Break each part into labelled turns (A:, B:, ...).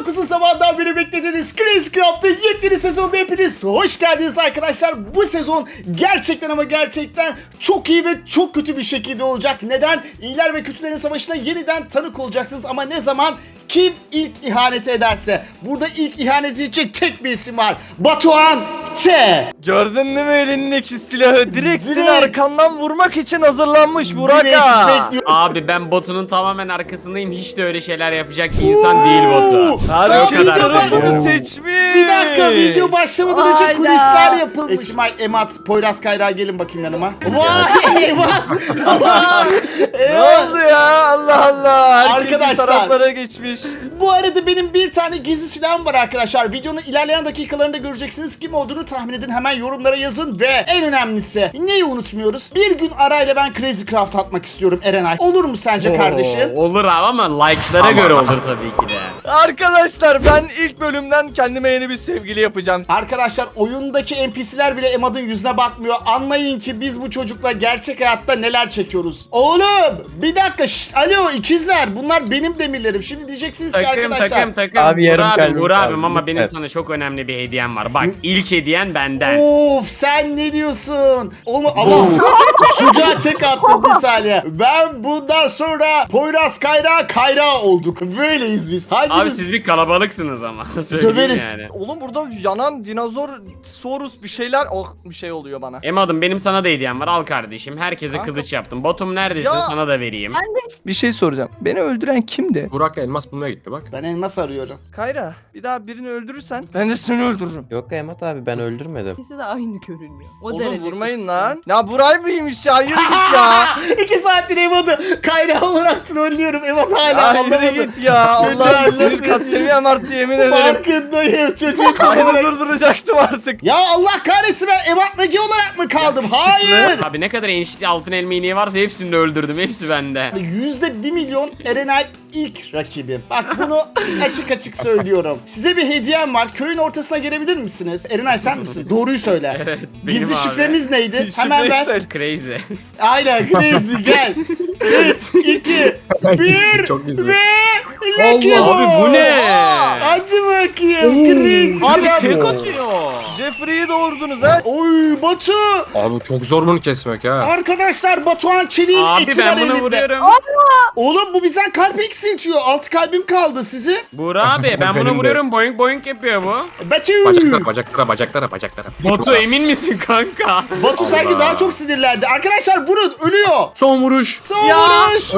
A: Çok uzun zamandan beri beklediğiniz Crazy Craft'ın yepyeni sezonda hepiniz hoş geldiniz arkadaşlar. Bu sezon gerçekten ama gerçekten çok iyi ve çok kötü bir şekilde olacak. Neden? İyiler ve kötülerin savaşına yeniden tanık olacaksınız ama ne zaman? Kim ilk ihaneti ederse. Burada ilk ihanet edecek tek bir isim var. Batuhan Ç.
B: Gördün değil mi elindeki silahı? Direkt seni arkandan vurmak için hazırlanmış Burak
A: Direkt
B: ağa.
A: bekliyorum.
C: Abi ben Batu'nun tamamen arkasındayım. Hiç de öyle şeyler yapacak bir insan değil Batu.
B: Herkes
C: O kadar
B: tarafını
C: söyleyeyim.
B: seçmiş.
A: Bir dakika, video başlamadan önce
D: Hayda.
A: kulisler yapılmış. Esimay, Emat, Poyraz Kayra gelin bakayım yanıma. Vay Emat.
B: Ne oldu ya? Allah Allah. Herkes
A: Arkadaşlar.
B: bir taraflara geçmiş.
A: Bu arada benim bir tane gizli silahım var arkadaşlar. Videonun ilerleyen dakikalarında göreceksiniz. Kim olduğunu tahmin edin. Hemen yorumlara yazın ve en önemlisi neyi unutmuyoruz? Bir gün arayla ben Crazy Craft atmak istiyorum Erenay. Olur mu sence kardeşim?
C: Olur abi ama like'lara göre olur tabii ki de.
B: Arkadaşlar ben ilk bölümden kendime yeni bir sevgili yapacağım.
A: Arkadaşlar oyundaki NPC'ler bile Emad'ın yüzüne bakmıyor. Anlayın ki biz bu çocukla gerçek hayatta neler çekiyoruz. Oğlum bir dakika alo ikizler bunlar benim demirlerim. Şimdi diyeceksiniz ki arkadaşlar.
C: Takım.
E: Abi, yarım
C: Uğur
E: kalbim
C: Uğur
E: kaldı.
C: abim ama benim
E: Evet.
C: sana çok önemli bir hediyem var. Bak ilk hediyen benden.
A: Of sen ne diyorsun? Oğlum ama çocuğa tek attım bir saniye. Ben bundan sonra Poyraz Kayra olduk. Böyleyiz biz.
C: Abi
A: Hangimiz?
C: siz bir kalabalıksınız ama. Söyleyeyim
A: Döveriz.
C: yani.
B: Oğlum burada yanan dinozor, Sorus bir şeyler bir şey oluyor bana.
C: Emadım benim sana da hediyem var. Al kardeşim. Herkese
B: Kanka.
C: kılıç yaptım. Botum neredesin?
B: Ya.
C: Sana da vereyim.
B: Bir şey soracağım. Beni öldüren kimdi?
F: Burak elmas bulmaya gitti bak.
A: Ben elmas arıyorum.
B: Kayra, bir daha birini öldürürsen ben de seni öldürürüm.
E: Yok Emat abi ben öldürmedim.
D: İkisi de aynı görünüyor. O
B: Oğlum
D: derece
B: vurmayın lan. Ya Buray mıymış ya? Yürü git ya.
A: 2 saattir Emad'ı Kayra olarak trollüyorum. Emad hala
B: Ya
A: anlamadı.
B: yürü git ya.
A: Çocuğa
B: Allah'ım sinir
A: anlatıyor.
B: kat seviyem arttı yemin ederim.
A: Farkındayım çocuk.
B: Kayra durduracaktım artık.
A: Ya Allah kahretsin ben Emad Nagi olarak mı kaldım? Hayır.
C: Abi ne kadar enişte altın elma iğneği varsa hepsini de öldürdüm. Hepsi bende.
A: %1 milyon Erenay ilk rakibim. Bak bunu açık açık söylüyorum. Size bir hediyem var. Köyün ortasına gelebilir misiniz? Erenay sen misin? Doğruyu söyle.
C: Evet, benim
A: Gizli
C: abi.
A: şifremiz neydi?
B: Şifreyi
A: Hemen ver.
B: söyle.
C: Crazy.
A: Aynen Crazy gel. 3, 2, 1
F: Çok gizli.
A: ve Lucky
F: Allah,
C: abi bu
A: Boss.
C: ne?
A: Hadi bakayım Crazy.
C: Abi
A: Hadi
C: tek
A: bu.
C: atıyor.
B: Jeffrey'i doğurdunuz ha.
A: Oy Batu.
F: Abi çok zor bunu kesmek ha.
A: Arkadaşlar Batuhan Çelik'in
C: Abi
A: eti var
C: ben bunu
A: elinde.
C: vuruyorum.
A: Oğlum bu bizden kalp eksiltiyor. 6 kalbim kaldı sizi.
C: Buğra abi ben
F: Benim
C: bunu
F: de.
C: vuruyorum. Boing boing yapıyor bu.
A: Batu.
F: Bacaklara.
C: Batu emin misin kanka?
A: Batu sanki
F: Allah.
A: daha çok sinirlendi. Arkadaşlar vurun ölüyor.
F: Son vuruş.
A: Son
C: Ya.
A: vuruş.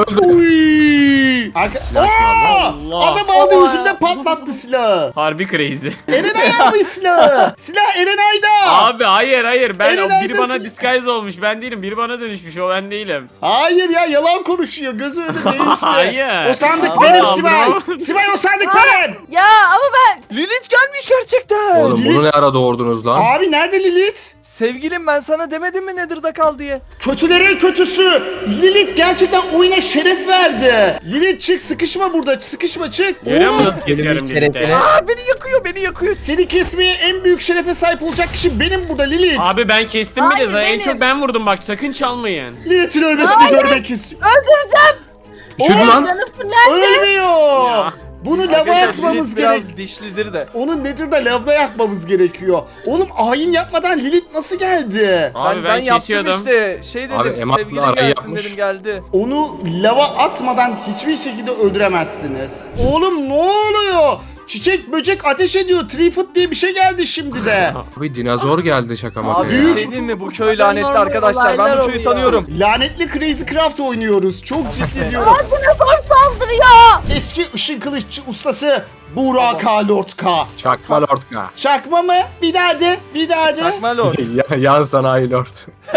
A: Uy. Aa!
C: Allah.
A: Adam aldı yüzümde patlattı silahı.
C: Harbi crazy.
A: Erenay almış silahı. Silah Erenay'da.
C: Abi hayır ben
A: Erenay'da
C: biri bana
A: sil-
C: disguise olmuş ben değilim biri bana dönüşmüş o ben değilim.
A: Hayır ya yalan konuşuyor. Gözü önünde değişti.
C: Hayır.
A: O sandık
C: Aa,
A: benim
C: bravo.
A: Sibel. Sibel o sandık benim.
D: Ya ama ben
B: Lilith gelmiş gerçekten.
F: Oğlum bunu ne ara doğurdunuz lan?
A: Abi nerede Lilith?
B: Sevgilim ben sana demedim mi Nether'da kal diye.
A: Kötülerin kötüsü. Lilith gerçekten oyuna şeref verdi. Lilith çık sıkışma burada. Sıkışma çık.
C: Görüyor musun
A: Oğlum,
C: nasıl kesiyorum
E: şerefine-
C: birlikte?
B: Aa beni yakıyor.
A: seni kesmeye en büyük şerefe sahip olacak kişi benim burada Lilith.
C: Abi ben kestim bile
D: Hayır,
C: zaten en
D: benim.
C: çok ben vurdum bak sakın çalmayın.
A: Lilith'in ölmesini görmek istiyorum.
D: öldüreceğim.
F: Üşüdü lan.
D: Canım fırlandı.
A: Ölmüyor.
C: Ya.
A: Bunu lava
B: Arkadaşlar,
A: atmamız
B: Lilith biraz
A: gerek.
B: dişlidir de.
A: Onu Nether'da lavda yakmamız gerekiyor. Oğlum ayin yapmadan Lilith nasıl geldi?
C: Abi
B: ben
C: ben
B: yaptım
C: kesiyordum.
B: işte. Şey
F: Abi,
B: dedim
F: Emat'la
B: sevgilim
F: arayı
B: gelsin
F: yapmış.
B: dedim geldi.
A: Onu lava atmadan hiçbir şekilde öldüremezsiniz. Oğlum ne oluyor? Çiçek böcek ateş ediyor. Three foot diye bir şey geldi şimdi de.
F: Abi dinozor geldi şaka maka
B: Abi
F: ya.
B: bir şey diyeyim mi bu köy lanetli
D: Normal
B: arkadaşlar. Ben
D: olaylar
B: bu köyü
D: oluyor.
B: tanıyorum.
A: Lanetli Crazy Craft oynuyoruz. Çok ciddi diyorum.
D: Dinozor saldırıyor.
A: Eski ışın kılıççı ustası Burak K. Lord K.
F: Çakma lordka.
A: Çakma mı? Bir daha de. Bir daha de.
B: Çakma lord.
F: Yan sanayi lord.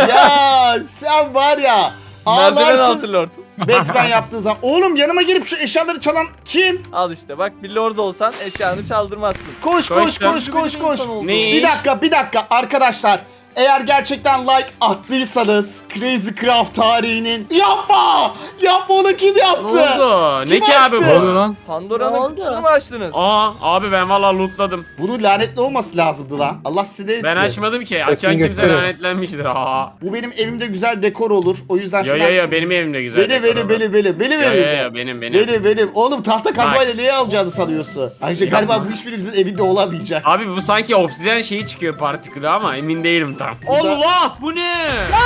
A: Ya sen var ya.
B: Merdiven
A: Ağlarsın.
B: altı lord.
A: Batman yaptığı zaman. Oğlum yanıma gelip şu eşyaları çalan kim?
B: Al işte bak bir lord olsan eşyanı çaldırmazsın.
A: Koş
C: Koş
A: koş
C: lan.
A: koş koş koş.
B: İnsan oldu.
C: Ne?
A: Bir dakika arkadaşlar. Eğer gerçekten like attıysanız Crazy Craft tarihinin yapma onu kim
C: Ne
A: yaptı?
C: oldu?
A: Kim
C: Ne ki abi
A: açtı?
F: Ne oluyor lan?
D: Ne
B: Pandora'nın
D: oldu?
B: kutusunu mu açtınız?
C: Aa abi ben valla lootladım.
A: Bunun lanetli olması lazımdı lan. Allah size de etsin.
C: Ben açmadım ki. Açan
E: Öpün
C: kimse
E: götürün.
C: lanetlenmiştir. Aa.
A: Bu benim evimde güzel dekor olur. O yüzden
C: Yo
A: şuna...
C: yo yo benim evimde güzel.
A: Benim
C: dekor olur.
A: benim
C: Yo yo
A: evimde.
C: yo benim.
A: Benim. Oğlum tahta kazmayla neye alacağını sanıyorsun? Ayrıca galiba bu hiçbirimizin evinde olamayacak.
C: Abi bu sanki obsidian şeyi çıkıyor partikülü ama emin değilim tam.
A: Burada-
C: Allah bu ne?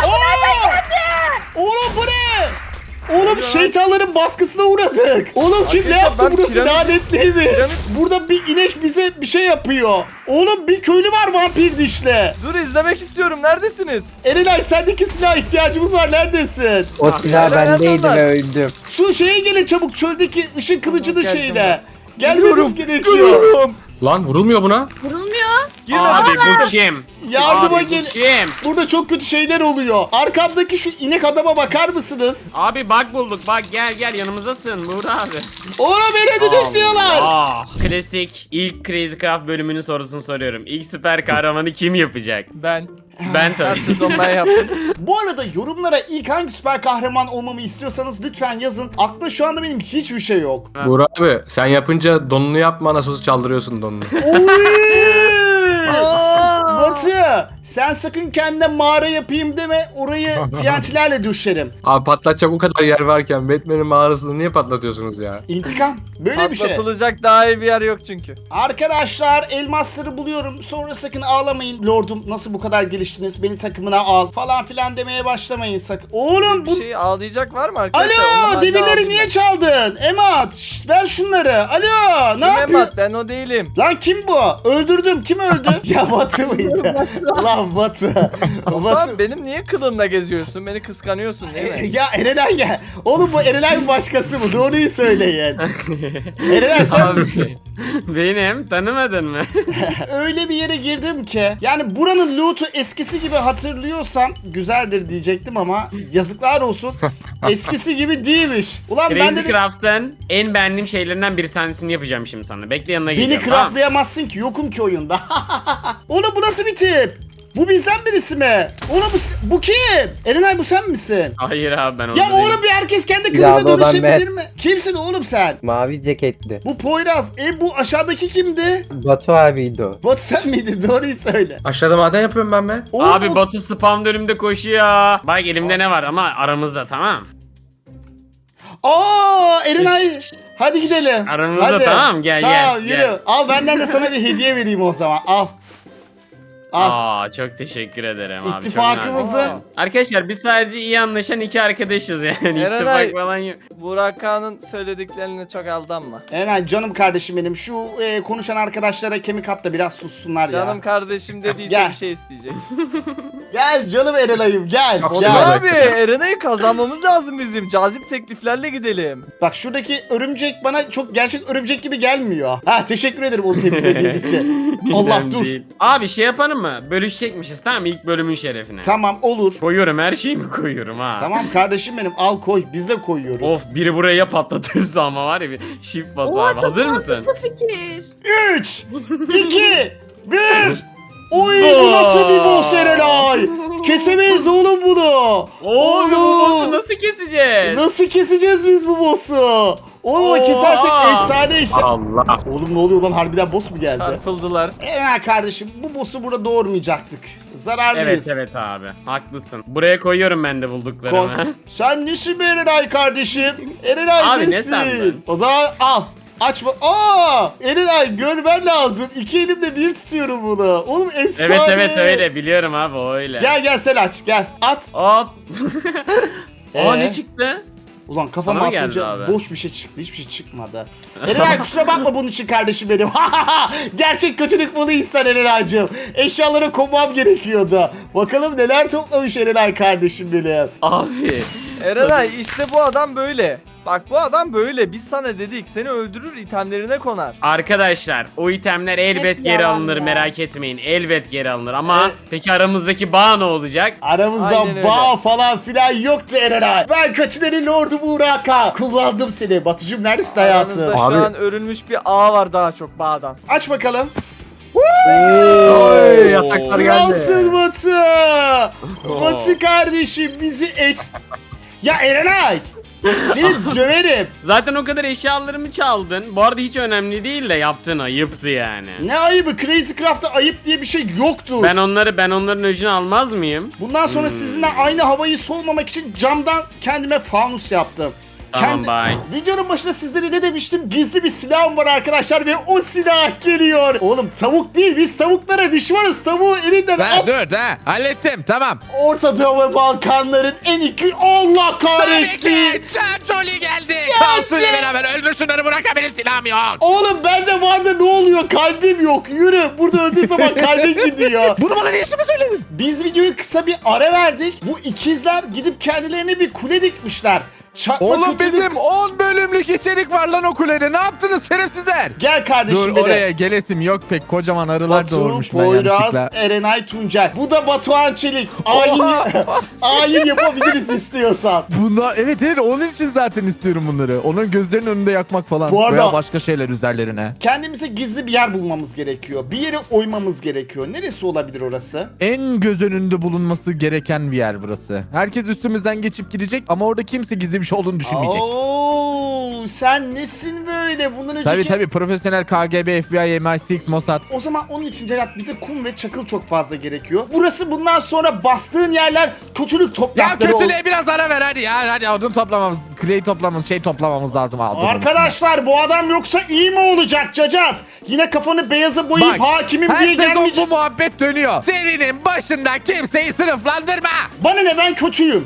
A: Oğlum bu ne? Oğlum şeytanların baskısına uğradık. Oğlum kim ne
B: Arkadaşlar,
A: yaptı
B: ben
A: burası
B: piramit-
A: lanetliymiş.
B: piramit-
A: Burada bir inek bize bir şey yapıyor. Oğlum bir köylü var vampir dişle.
B: Dur izlemek istiyorum. Neredesiniz?
A: Erenay sendeki silaha ihtiyacımız var, neredesin?
E: O silah
B: nereden
E: bendeydi
B: onlar?
E: ve öldüm.
A: Şu şeye gelin çabuk, çöldeki ışın kılıcını
B: Geldim
A: şeyine.
B: Geliyorum,
A: Gelmeniz gerekiyor.
B: geliyorum.
F: Lan vurulmuyor buna.
D: Vurulmuyor.
B: Girme.
C: Abi bu kim?
A: Yardıma
C: Abi bu
A: gel.
C: kim?
A: Burada çok kötü şeyler oluyor. Arkamdaki şu inek adama bakar mısınız?
C: Abi bak bulduk bak gel yanımızdasın Buğra abi.
A: Oğlum beni düdüklüyorlar.
C: Allah. Klasik ilk Crazy Craft bölümünün sorusunu soruyorum. İlk süper kahramanı kim yapacak?
B: Ben.
C: Ben
B: Her
C: tabii.
B: sezon ben yaptım.
A: Bu arada yorumlara ilk hangi süper kahraman olmamı istiyorsanız lütfen yazın. Aklımda şu anda benim hiçbir şey yok.
C: Ha.
F: Buğra abi sen yapınca donunu yapma nasıl olsa çaldırıyorsun donunu.
A: Oy! Batı, sen sakın kendine mağara yapayım deme, orayı TNT'lerle düşerim.
F: Abi patlatacak o kadar yer varken Batman'in mağarasını niye patlatıyorsunuz ya?
A: İntikam. Böyle bir şey.
B: Patlatılacak daha iyi bir yer yok çünkü.
A: Arkadaşlar elmasları buluyorum. Sonra sakın ağlamayın. Lordum nasıl bu kadar geliştiniz? Beni takımına al falan filan demeye başlamayın sakın. Oğlum bu...
B: Bir şey ağlayacak var mı arkadaşlar? Onun
A: Alo,
B: halini
A: demirleri
B: aldım
A: niye
B: ben.
A: çaldın? Emat, şşt, ver şunları. Alo, ne
B: Kim
A: yapıyorsun?
B: Emat? Ben o değilim.
A: Lan kim bu? Öldürdüm. Kim öldü? Ya Batı mıydı? Lan Batı.
B: Batı. Benim niye kılımla geziyorsun? Beni kıskanıyorsun değil mi?
A: Ya Erenay gel. Oğlum bu Erenay'ın başkası mı? Doğruyu söyleyin. Erenay sen
C: Abi,
A: misin?
C: benim tanımadın mı?
A: Öyle bir yere girdim ki. Yani buranın loot'u eskisi gibi hatırlıyorsam güzeldir diyecektim ama yazıklar olsun. Eskisi gibi değilmiş. Ulan ben
C: Crazy
A: de
C: Craft'ın en beğendiğim şeylerinden bir tanesini yapacağım şimdi sana. Bekle yanına
A: beni
C: geleceğim. tamam?
A: craftlayamazsın ki, yokum ki oyunda. Oğlum bu nasıl bir tip? Bu bizden birisi mi? Oğlum bu kim? Erenay bu sen misin?
C: Hayır abi ben onu
A: Ya
C: değilim.
A: oğlum bir herkes kendi
E: Ya
A: kılığına
E: bu adam
A: dönüşebilir mi? Kimsin oğlum sen?
E: Mavi ceketli.
A: Bu Poyraz. Bu aşağıdaki kimdi?
E: Batu abiydi o.
A: Bot sen miydin? Doğruyu söyle.
F: Aşağıda maden yapıyorum ben be.
A: Oğlum,
C: Abi Batu spam önümde koşuyor. Bak elimde ne var ama aramızda tamam.
A: Erenay. Hadi gidelim.
C: Aramızda
A: Hadi.
C: tamam, gel,
A: Sağ ol,
C: gel,
A: yürü.
C: gel.
A: Al benden de sana bir hediye vereyim o zaman. Al. Al.
C: Çok teşekkür ederim abi. çok
A: İttifakımızın
C: nazik. Arkadaşlar biz sadece iyi anlaşan iki arkadaşız yani.
B: Erenay.
C: İttifak falan yok.
B: Burak Ağa'nın söylediklerine çok aldanma.
A: Erenay canım kardeşim benim. Şu konuşan arkadaşlara kemik at da biraz sussunlar
B: Canım
A: ya.
B: kardeşim dediyse
A: Gel.
B: bir şey isteyecek.
A: Gel canım Erenay'ım gel.
F: Çok
A: Gel.
F: güzel.
B: Abi Erena'yı kazanmamız lazım bizim. Cazip tekliflerle gidelim.
A: Bak şuradaki örümcek bana çok gerçek örümcek gibi gelmiyor. Ha teşekkür ederim o temizlediğin için. Allah
C: Önemli
A: dur.
C: değil. Abi şey yapalım mı? Bölüşecekmişiz tamam mı? İlk bölümün şerefine.
A: Tamam olur.
C: Koyuyorum her şeyimi koyuyorum ha.
A: Tamam kardeşim benim al koy biz de koyuyoruz.
C: Of biri buraya ya patlatırsa ama var ya bir shift bas
D: Oo,
C: abi.
D: çok
C: Hazır mısın?
D: mantıklı fikir.
A: 3 2 1 Oy bu nasıl bir boss Erenay? Kesemeyiz oğlum bunu.
C: Oğlum bu
A: Oğlum.
C: boss'u nasıl keseceğiz?
A: Nasıl keseceğiz biz bu boss'u? Oğlum
C: Oha.
A: kesersek efsane iş.
F: Allah.
A: Oğlum ne oluyor lan harbiden boss mu geldi?
B: Çarpıldılar.
A: Erenay kardeşim bu boss'u burada doğurmayacaktık. Zararlıyız.
C: Evet abi haklısın. Buraya koyuyorum ben de
A: Koy.
C: bulduklarımı.
A: Sen nesin be Erenay kardeşim? Erenay
C: Abi ne
A: nesin?
C: sandın?
A: O zaman al. Açma. Erenay görmen lazım. İki elimle bir tutuyorum bunu. Oğlum efsane.
C: Evet öyle biliyorum abi o öyle.
A: Gel sen aç gel. At.
C: Hop. Aa
A: Ee?
C: ne çıktı?
A: Ulan kafama
C: Sana mı geldi
A: atınca
C: abi?
A: boş bir şey çıktı. Hiçbir şey çıkmadı. Erenay kusura bakma bunun için kardeşim benim. Gerçek kötülük bunu ister Erenay'cığım. Eşyaları koymam gerekiyordu. Bakalım neler toplamış Erenay kardeşim benim.
C: Abi.
B: Erenay işte bu adam böyle. Bak bu adam böyle. Biz sana dedik seni öldürür itemlerine konar.
C: Arkadaşlar o itemler elbet
D: Hep
C: geri
D: yalan
C: alınır
D: ya.
C: merak etmeyin. Elbet geri alınır ama
A: Evet.
C: peki aramızdaki bağ ne olacak?
A: Aramızda
B: Aynen öyle.
A: bağ falan filan yoktu Erenay. Ben kaçınerin lordu Burak'a. Kullandım seni. Batucuğum neredesin hayatım?
B: Aranızda şu
F: Abi.
B: an örülmüş bir ağ var daha çok bağdan.
A: Aç bakalım.
F: Oy yataklar
A: Kralsın
F: geldi.
A: Batu. Batu kardeşim bizi Ya Erenay. Seni döverim.
C: Zaten o kadar eşyalarımı çaldın. Bu arada hiç önemli değil de yaptığın ayıptı yani.
A: Ne ayıbı? Crazy Craft'ta ayıp diye bir şey yoktur.
C: Ben onların öcünü almaz mıyım?
A: Bundan sonra sizinle aynı havayı solmamak için camdan kendime fanus yaptım.
C: Tamam, bye.
A: Videonun başında sizlere ne demiştim? Gizli bir silahım var arkadaşlar ve o silah geliyor. Oğlum tavuk değil, biz tavuklara düşmanız. Tavuğu elinden al.
G: Dur ha hallettim tamam.
A: Orta Doğu ve Balkanların en iki Allah kahretsin.
G: Çarçoli geldi.
A: Çarçoli.
G: Kaosuyla beraber öldür şunları bırak benim silahım yok.
A: Oğlum bende vardı ne oluyor? Kalbim yok. Yürü. Burada öldüğü zaman kalbim gidiyor.
G: Bunu bana niye şimdi söyledin?
A: Biz videoyu kısa bir ara verdik. Bu ikizler gidip kendilerine bir kule dikmişler. Çakma
G: Oğlum
A: kötülük-
G: bizim 10 bölümlük içerik var lan o kulede. Ne yaptınız şerefsizler?
A: Gel kardeşim
G: Dur
A: dedi.
G: oraya gelesim yok pek kocaman arılar
A: Batu,
G: doğurmuş ben
A: Poyraz,
G: yanlışlıkla.
A: Erenay, Tuncel. Bu da Batuhan Çelik. Ayin yapabiliriz istiyorsan.
G: Bunda evet onun için zaten istiyorum bunları. Onun gözlerinin önünde yakmak falan.
A: Bu arada-
G: Veya başka şeyler üzerlerine.
A: Kendimize gizli bir yer bulmamız gerekiyor. Bir yere oymamız gerekiyor. Neresi olabilir orası?
G: En göz önünde bulunması gereken bir yer burası. Herkes üstümüzden geçip gidecek ama orada kimse gizli bir şey olduğunu düşünmeyecek.
A: Oo, sen nesin böyle? Bundan önceki...
G: Tabii profesyonel KGB, FBI, MI6, Mossad.
A: O zaman onun için Celat bize kum ve çakıl çok fazla gerekiyor. Burası bundan sonra bastığın yerler kötülük
G: Ya
A: toprakları oldu.
G: kötülüğe biraz ara ver hadi ya. Hadi odun toplamamız, clay toplamamız, toplamamız lazım.
A: Arkadaşlar bu adam yoksa iyi mi olacak Cacat? Yine kafanı beyaza boyayıp hakimim
G: her
A: diye
G: sezon
A: gelmeyecek.
G: bu muhabbet dönüyor. Serinin başında kimseyi sınıflandırma.
A: Bana ne, ben kötüyüm.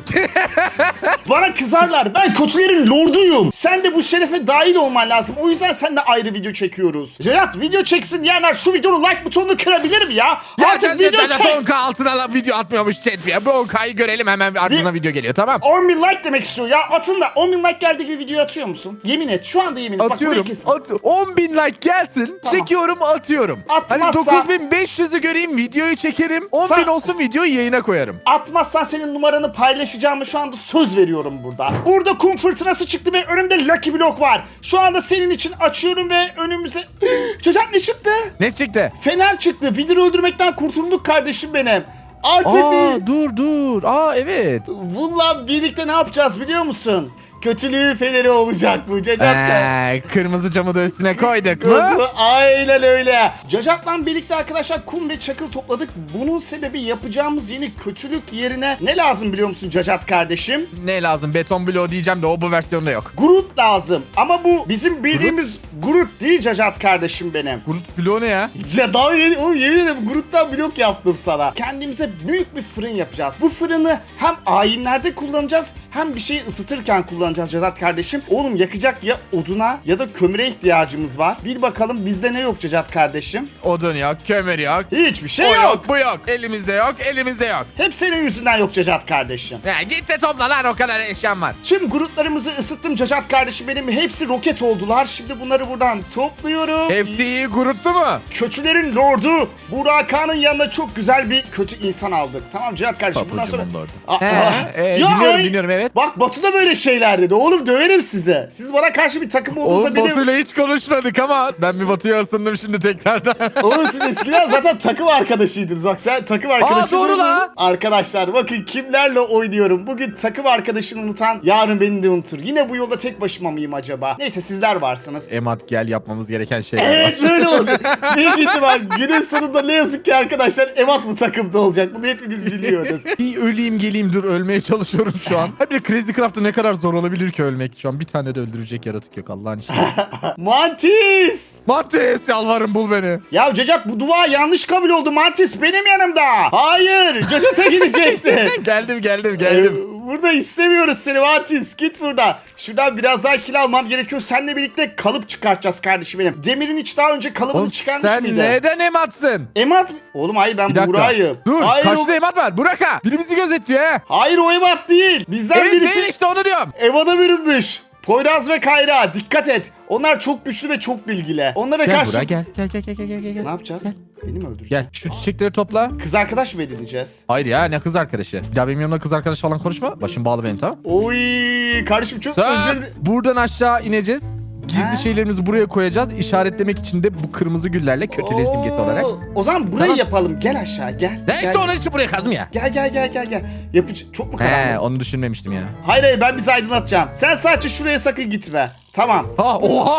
A: Bana kızarlar, ben kötülerin lorduyum. Sen de bu şerefe dahil olman lazım. O yüzden seninle ayrı video çekiyoruz. Celat video çeksin diyenler şu videonun like butonunu kırabilir mi ya?
G: Ya
A: Artık video çek.
G: 10K altına video atmıyormuş chat ya. Bu 10K'yı görelim hemen ardından video geliyor tamam.
A: 10.000 like demek istiyor ya. Atın da 10.000 like geldiği gibi video atıyor musun? Yemin et, şu anda yemin et. Bak, burayı
G: Atıyorum.
A: kes.
G: 10.000 like gelsin.
A: Tamam.
G: Çekiyorum atıyorum.
A: Atmazsa-
G: Hani 9.500'ü göreyim videoyu çekerim. 10.000
A: Sen-
G: olsun videoyu yayına koyarım.
A: Atmazsan senin numaranı paylaşacağımı şu anda söz veriyorum burada. Burada kum fırtınası çıktı ve önümde Lucky Block var. Şu anda senin için açıyorum ve önümüze... Cacat ne çıktı?
G: Ne çıktı?
A: Fener çıktı. Vidiri öldürmekten kurtulduk kardeşim benim. Artık bir...
G: Dur. Evet.
A: Bununla birlikte ne yapacağız biliyor musun? Kötülüğü feneri olacak bu Cacat.
G: Kırmızı camı da üstüne koyduk mu?
A: Aynen öyle. Cacat'la birlikte arkadaşlar kum ve çakıl topladık. Bunun sebebi yapacağımız yeni kötülük yerine ne lazım biliyor musun Cacat kardeşim?
G: Ne lazım? Beton bloğu diyeceğim de o bu versiyonda yok.
A: Groot lazım. Ama bu bizim bildiğimiz Groot değil Cacat kardeşim benim.
G: Groot bloğu ne ya?
A: Ya daha yeni, oğlum yemin ederim Groot'tan blok yaptım sana. Kendimize büyük bir fırın yapacağız. Bu fırını hem ayinlerde kullanacağız hem bir şeyi ısıtırken kullanacağız Cacat kardeşim. Oğlum yakacak ya oduna ya da kömüre ihtiyacımız var. Bir bakalım bizde ne yok Cacat kardeşim?
G: Odun yok, kömür yok.
A: Hiçbir şey
G: O
A: yok.
G: yok, bu yok. Elimizde yok, elimizde yok.
A: Hep senin yüzünden yok Cacat kardeşim.
G: Ya git de topla lan o kadar eşyam var.
A: Tüm Groot'larımızı ısıttım Cacat kardeşim benim. Hepsi roket oldular. Şimdi bunları buradan topluyorum.
G: Hepsi iyi Groot'tu mu?
A: Kötülerin lordu Buraka'nın yanına çok güzel bir kötü insan aldık. Tamam Cihat kardeşim bundan sonra...
G: Papucumun lordu.
A: Ya,
G: Dinliyorum evet.
A: Bak Batu da böyle şeyler dedi. Oğlum döverim size. Siz bana karşı bir takım olduğunuzda
G: Oğlum
A: benim...
G: Batu'yla hiç konuşmadık ama ben bir Batu'ya ısındım şimdi tekrardan.
A: Oğlum siz eskiden zaten takım arkadaşıydınız. Bak sen takım arkadaşın.
G: doğru la.
A: Arkadaşlar bakın kimlerle oynuyorum. Bugün takım arkadaşını unutan yarın beni de unutur. Yine bu yolda tek başıma mıyım acaba? Neyse sizler varsınız.
G: Emat gel yapmamız gereken şeyler
A: Evet
G: var.
A: böyle olacak. Büyük ihtimal günün sonunda ne yazık ki arkadaşlar Evat bu takımda olacak. Bunu hepimiz biliyoruz.
G: Bir öleyim geleyim dur ölmeye çalışıyorum şu an. Hep bir Crazy Craft'ta ne kadar zor olabilir ki ölmek şu an. Bir tane de öldürecek yaratık yok Allah'ın işi.
A: Mantis!
G: Mantis yalvarırım bul beni.
A: Ya Cacat bu dua yanlış kabul oldu. Mantis benim yanımda. Hayır Cacat'a gidecekti.
G: geldim.
A: Burada istemiyoruz seni Mantis. Git burada. Şuradan biraz daha kill almam gerekiyor. Seninle birlikte kalıp çıkartacağız kardeşim benim. Demir'in hiç daha önce kalıbını
G: Oğlum
A: çıkarmış
G: sen
A: mıydı?
G: neden Emat'sın?
A: Emat... Oğlum hayır ben
G: Bir dakika.
A: Buğra'yım.
G: Dur
A: Hayır,
G: karşıda Emat var. Burak'a. Biri bizi gözetliyor he.
A: hayır o Emat değil. Bizden
G: Evet
A: birisi...
G: değil işte onu diyorum.
A: Eva'da bürünmüş. Poyraz ve Kayra dikkat et. Onlar çok güçlü ve çok bilgili. Onlara
G: Gel
A: karşı...
G: Burak gel.
A: Ne yapacağız? Beni mi öldüreceksin?
G: Gel şu çiçekleri topla.
A: Kız arkadaş mı edineceğiz?
G: Hayır ya ne kız arkadaşı. Bir daha benim yanımda kız arkadaş falan konuşma. Başım bağlı benim tamam.
A: Oy kardeşim çok
G: Söz.
A: özür...
G: Buradan aşağı ineceğiz. Gizli
A: Ha.
G: şeylerimizi buraya koyacağız. İşaretlemek için de bu kırmızı güllerle kötülüğü simgesi olarak.
A: O zaman burayı
G: Tamam.
A: yapalım. Gel aşağı gel.
G: Ne
A: Gel.
G: işte onun için buraya kazım ya.
A: Gel. Çok mu karanlık?
G: He, onu düşünmemiştim ya.
A: Hayır ben bizi aydınlatacağım. Sen sadece şuraya sakın gitme. Tamam.
G: Ha, oha!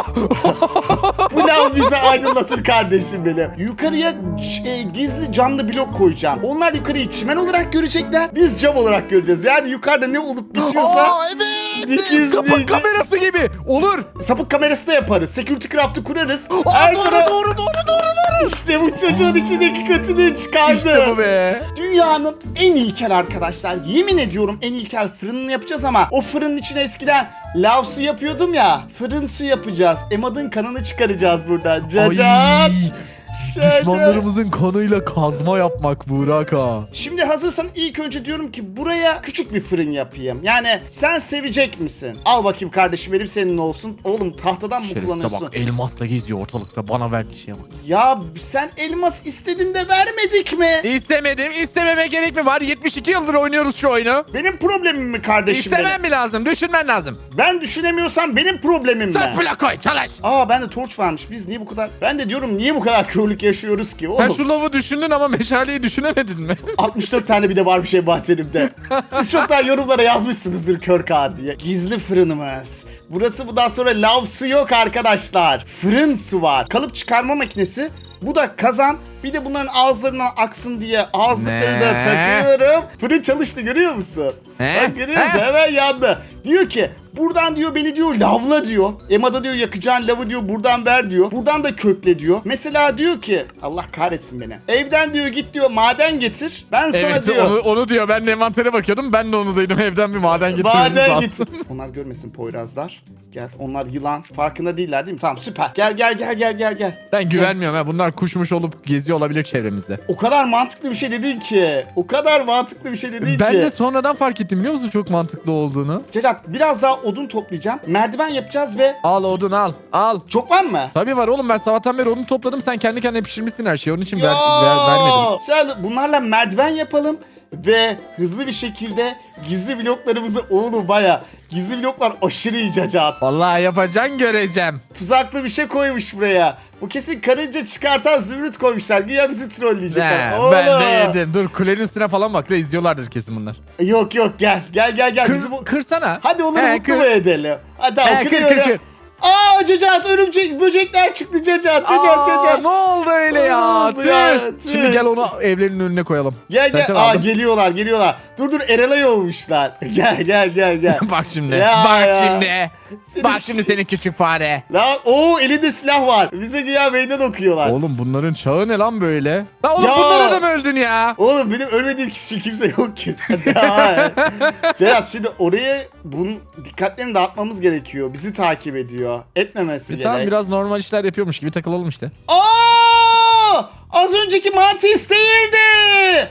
A: Bu lav bizi aydınlatır kardeşim benim. Yukarıya gizli camlı blok koyacağım. Onlar yukarıyı çimen olarak görecekler. Biz cam olarak göreceğiz. Yani yukarıda ne olup bitiyorsa
G: Aa, evet!
A: dikiz
G: Kapak
A: dikiz.
G: kamerası gibi. Olur.
A: Sapık kamerası da yaparız. Security craft'ı kurarız.
G: Aa,
A: Her
G: doğru,
A: taraf-
G: doğru.
A: İşte bu çocuğun içindeki kötülüğü çıkardı.
G: İşte bu be.
A: Dünyanın en ilkel arkadaşlar. Yemin ediyorum en ilkel fırınını yapacağız ama o fırının içine eskiden lav su yapıyordum ya. Fırın su yapacağız. Emad'ın kanını çıkaracağız buradan. Cacat.
G: Ay,
A: Cacat.
G: düşmanlarımızın kanıyla kazma yapmak Burak ha.
A: Şimdi hazırsan ilk önce diyorum ki buraya küçük bir fırın yapayım. Yani sen sevecek misin? Al bakayım kardeşim benim senin olsun. Oğlum tahtadan mı
G: Şerefsize
A: kullanıyorsun?
G: bak elmasla geziyor ortalıkta bana verdiği şeye bak.
A: Ya sen elmas istedin de vermedik mi?
G: İstemedim. İstememe gerek mi var? 72 yıldır oynuyoruz şu oyunu.
A: Benim problemim mi kardeşim benim?
G: İstemem mi lazım? Düşünmen lazım.
A: Ben düşünemiyorsam benim problemim mi?
G: Söz bile koy çalış.
A: Aa bende torç varmış. Biz niye bu kadar... Ben de diyorum niye bu kadar körlük yaşıyoruz ki?
G: Sen
A: Oğlum
G: şu lavı düşündün ama meşaleyi düşünemedin mi?
A: 64 tane bir de var bir şey bahçelimde. Siz çoktan yorumlara yazmışsınızdır kör kağıt diye. Gizli fırınımız. Burası bundan sonra lav su yok arkadaşlar. Fırın su var. Kalıp çıkarma makinesi. Bu da kazan. Bir de bunların ağızlarına aksın diye ağızlıkları da
G: Ne?
A: takıyorum. Fırın çalıştı görüyor musun?
G: He?
A: Bak görüyor musun?
G: He?
A: Hemen yandı. Diyor ki buradan diyor beni diyor lavla diyor. Emada diyor yakacağın lavı diyor buradan ver diyor. Buradan da kökle diyor. Mesela diyor ki Allah kahretsin beni. Evden diyor git diyor maden getir. Ben sana
G: Evet
A: diyor.
G: onu diyor. Ben de envantere bakıyordum. Ben de onu duydum. Evden bir maden getirmemiz
A: Maden
G: lazım.
A: git. Onlar görmesin Poyrazlar. Gel onlar yılan. Farkında değiller değil mi? Tamam süper. Gel.
G: Ben güvenmiyorum ha. Bunlar kuşmuş olup geziyor olabilir çevremizde.
A: O kadar mantıklı bir şey dedin ki.
G: Ben
A: ki.
G: de sonradan fark ettim biliyor musun çok mantıklı olduğunu.
A: Cacat biraz daha odun toplayacağım. Merdiven yapacağız ve
G: Al odun al. Al.
A: çok var mı?
G: Tabii var oğlum ben sabahtan beri odun topladım. Sen kendi kendine pişirmişsin her şeyi. Onun için
A: Ya,
G: vermedim.
A: Sen bunlarla merdiven yapalım ve hızlı bir şekilde gizli bloklarımızı oğlum baya gizli bloklar aşırı iyi Cacat.
G: Vallahi yapacaksın göreceğim.
A: Tuzaklı bir şey koymuş buraya. Bu kesin karınca çıkartan zümrüt koymuşlar. Güya bizi trolleyecekler.
G: He,
A: Oğlum.
G: ben de yedim. Dur kulenin üstüne falan bak da izliyorlardır kesin bunlar.
A: Yok gel. Bizim
G: Kırsana.
A: Hadi onları
G: He,
A: mutlu mu edelim? Hadi tamam
G: He, kır.
A: kırıyorum. Aa Cacat örümcek böcekler çıktı Cacat.
G: Aa, ne oldu öyle ya?
A: oldu ya?
G: Tüh. Şimdi gel onu evlerin önüne koyalım.
A: Gel.
G: Kaçan
A: Aa
G: aldım.
A: geliyorlar. Dur Erelay olmuşlar. Gel.
G: Bak şimdi.
A: Ya,
G: bak
A: ya.
G: şimdi.
A: Senin-
G: Bak şimdi senin küçük fare.
A: Lan elinde silah var. Bize güya meydan okuyorlar.
G: Oğlum bunların çağı ne lan böyle? Lan oğlum
A: Ya.
G: bunlara da mı öldün ya?
A: Oğlum benim ölmediğim kişi kimse yok ki. Ya. Cerat şimdi oraya bunun dikkatlerini dağıtmamız gerekiyor. Bizi takip ediyor. Etmemesi gerek.
G: Tamam biraz normal işler yapıyormuş gibi takılalım işte.
A: Aa! Az önceki mantis değildi.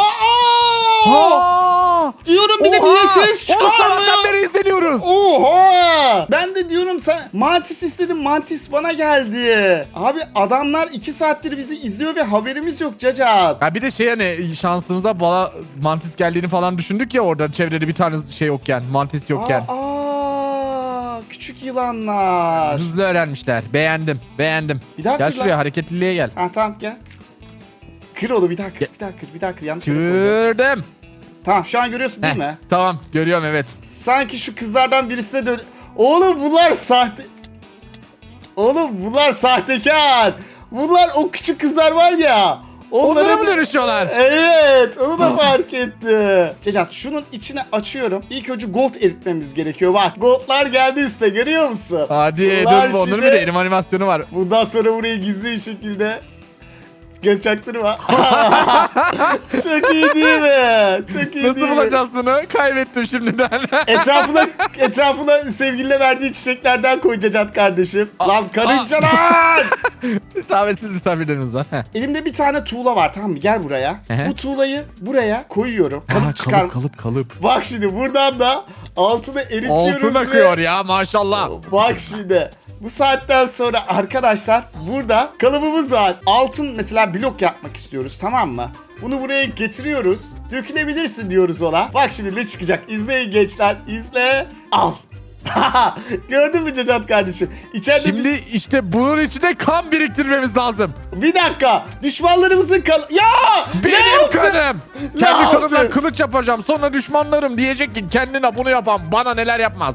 A: Diyorum bir de niye ses
G: Oğlum sabahtan
A: çıkarmıyor?
G: beri izleniyoruz.
A: Oha! Ben de diyorum sen mantis istedim mantis bana geldi. Abi adamlar 2 saattir bizi izliyor ve haberimiz yok Cacat.
G: Ya bir de şey hani şansımıza bala mantis geldiğini falan düşündük ya orada çevrede bir tane şey yokken, mantis yokken.
A: Küçük yılanlar.
G: Hızlı öğrenmişler. Beğendim.
A: Bir daha
G: Gel
A: kır
G: şuraya
A: lan.
G: hareketliliğe gel.
A: Ha tamam gel. Kır onu bir daha kır. Yanlış yere koydum.
G: Kırdım.
A: Tamam şu an görüyorsun değil
G: Heh,
A: mi?
G: Tamam görüyorum evet.
A: Sanki şu kızlardan birisine dön... Oğlum bunlar sahte... Oğlum bunlar sahtekar. Bunlar o küçük kızlar var ya.
G: Onlara mı dönüşüyorlar?
A: Evet, onu da fark etti. Cacat, şunun içine açıyorum. İlk önce gold eritmemiz gerekiyor. Bak, goldlar geldi üste, görüyor musun?
G: Hadi
A: Bunlar
G: dur bu onların
A: şimdi-
G: bir de elim animasyonu var.
A: Bundan sonra burayı gizli bir şekilde göz çaktırma. Çok iyi değil mi? Çok iyi
G: Nasıl
A: değil mi?
G: bulacağız bunu? Kaybettim şimdiden.
A: Etrafına sevgiline verdiği çiçeklerden koy Cacat kardeşim. Lan karıncalar!
G: Davetsiz misafirlerimiz var. Heh.
A: Elimde bir tane tuğla var, tamam mı? Gel buraya.
G: Ehe.
A: Bu tuğlayı buraya koyuyorum. Kalıp çıkar.
G: Kalıp.
A: Bak şimdi buradan da altını eritiyoruz.
G: Altın akıyor ya maşallah.
A: Bak şimdi. Bu saatten sonra arkadaşlar burada kalıbımız var. Altın mesela blok yapmak istiyoruz, tamam mı? Bunu buraya getiriyoruz. Dökülebilirsin diyoruz ona. Bak şimdi ne çıkacak. İzleyin gençler. İzle. Al. Gördün mü Cacat kardeşim? İçeride
G: Şimdi işte bunun içinde kan biriktirmemiz lazım.
A: bir dakika. Düşmanlarımızın ya!
G: Benim kanım.
A: Ne
G: Kendi
A: yaptı?
G: kanımla kılıç yapacağım. Sonra düşmanlarım diyecek ki kendine bunu yapan bana neler yapmaz.